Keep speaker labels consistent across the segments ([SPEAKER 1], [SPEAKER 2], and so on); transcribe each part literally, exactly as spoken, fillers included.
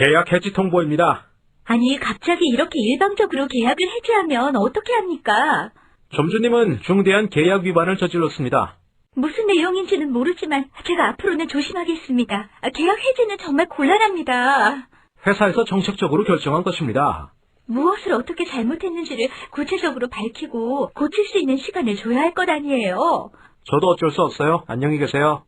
[SPEAKER 1] 계약 해지 통보입니다.
[SPEAKER 2] 아니, 갑자기 이렇게 일방적으로 계약을 해지하면 어떻게 합니까?
[SPEAKER 1] 점주님은 중대한 계약 위반을 저질렀습니다.
[SPEAKER 2] 무슨 내용인지는 모르지만 제가 앞으로는 조심하겠습니다. 계약 해지는 정말 곤란합니다.
[SPEAKER 1] 회사에서 정책적으로 결정한 것입니다.
[SPEAKER 2] 무엇을 어떻게 잘못했는지를 구체적으로 밝히고 고칠 수 있는 시간을 줘야 할 것 아니에요.
[SPEAKER 1] 저도 어쩔 수 없어요. 안녕히 계세요.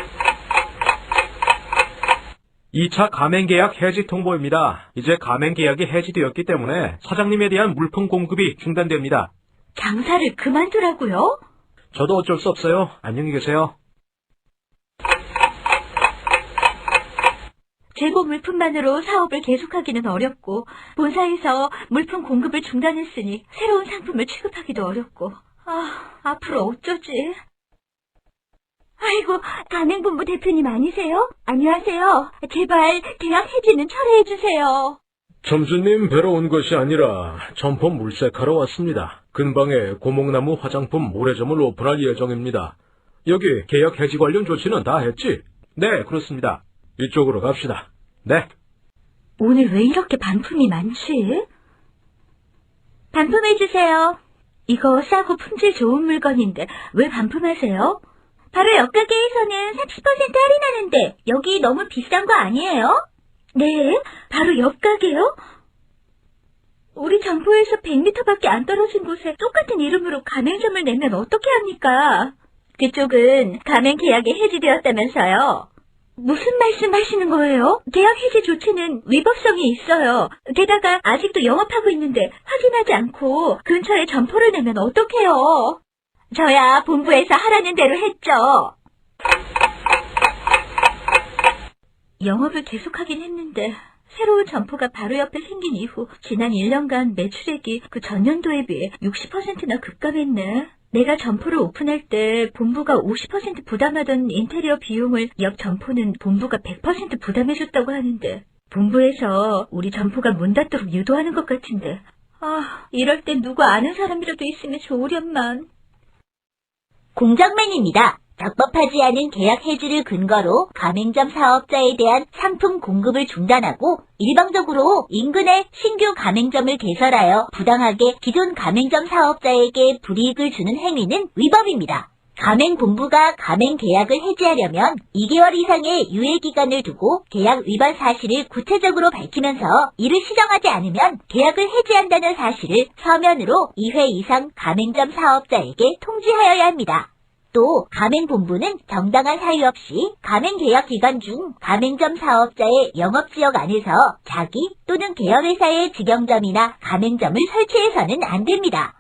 [SPEAKER 1] 이 차 가맹계약 해지 통보입니다. 이제 가맹계약이 해지되었기 때문에 사장님에 대한 물품 공급이 중단됩니다.
[SPEAKER 2] 장사를 그만두라고요?
[SPEAKER 1] 저도 어쩔 수 없어요. 안녕히 계세요.
[SPEAKER 2] 재고 물품만으로 사업을 계속하기는 어렵고 본사에서 물품 공급을 중단했으니 새로운 상품을 취급하기도 어렵고 아, 앞으로 어쩌지? 아이고, 가맹본부 대표님 아니세요? 안녕하세요. 제발 계약 해지는 철회해주세요.
[SPEAKER 1] 점주님 뵈러 온 것이 아니라 점포 물색하러 왔습니다. 근방에 고목나무 화장품 모래점을 오픈할 예정입니다. 여기 계약 해지 관련 조치는 다 했지? 네, 그렇습니다. 이쪽으로 갑시다. 네.
[SPEAKER 2] 오늘 왜 이렇게 반품이 많지? 반품해주세요. 이거 싸고 품질 좋은 물건인데 왜 반품하세요? 바로 옆 가게에서는 삼십 퍼센트 할인하는데 여기 너무 비싼 거 아니에요? 네, 바로 옆 가게요? 우리 점포에서 백 미터밖에 안 떨어진 곳에 똑같은 이름으로 가맹점을 내면 어떻게 합니까? 그쪽은 가맹 계약이 해지되었다면서요. 무슨 말씀 하시는 거예요? 계약 해지 조치는 위법성이 있어요. 게다가 아직도 영업하고 있는데 확인하지 않고 근처에 점포를 내면 어떡해요? 저야 본부에서 하라는 대로 했죠. 영업을 계속하긴 했는데 새로운 점포가 바로 옆에 생긴 이후 지난 일 년간 매출액이 그 전년도에 비해 육십 퍼센트나 급감했네. 내가 점포를 오픈할 때 본부가 오십 퍼센트 부담하던 인테리어 비용을 옆 점포는 본부가 백 퍼센트 부담해줬다고 하는데 본부에서 우리 점포가 문 닫도록 유도하는 것 같은데 아, 이럴 땐 누구 아는 사람이라도 있으면 좋으련만. 공장맨입니다. 적법하지 않은 계약 해지를 근거로 가맹점 사업자에 대한 상품 공급을 중단하고 일방적으로 인근에 신규 가맹점을 개설하여 부당하게 기존 가맹점 사업자에게 불이익을 주는 행위는 위법입니다. 가맹본부가 가맹 계약을 해지하려면 이 개월 이상의 유예기간을 두고 계약 위반 사실을 구체적으로 밝히면서 이를 시정하지 않으면 계약을 해지한다는 사실을 서면으로 이 회 이상 가맹점 사업자에게 통지하여야 합니다. 또 가맹본부는 정당한 사유 없이 가맹계약 기간 중 가맹점 사업자의 영업지역 안에서 자기 또는 계열회사의 직영점이나 가맹점을 설치해서는 안 됩니다.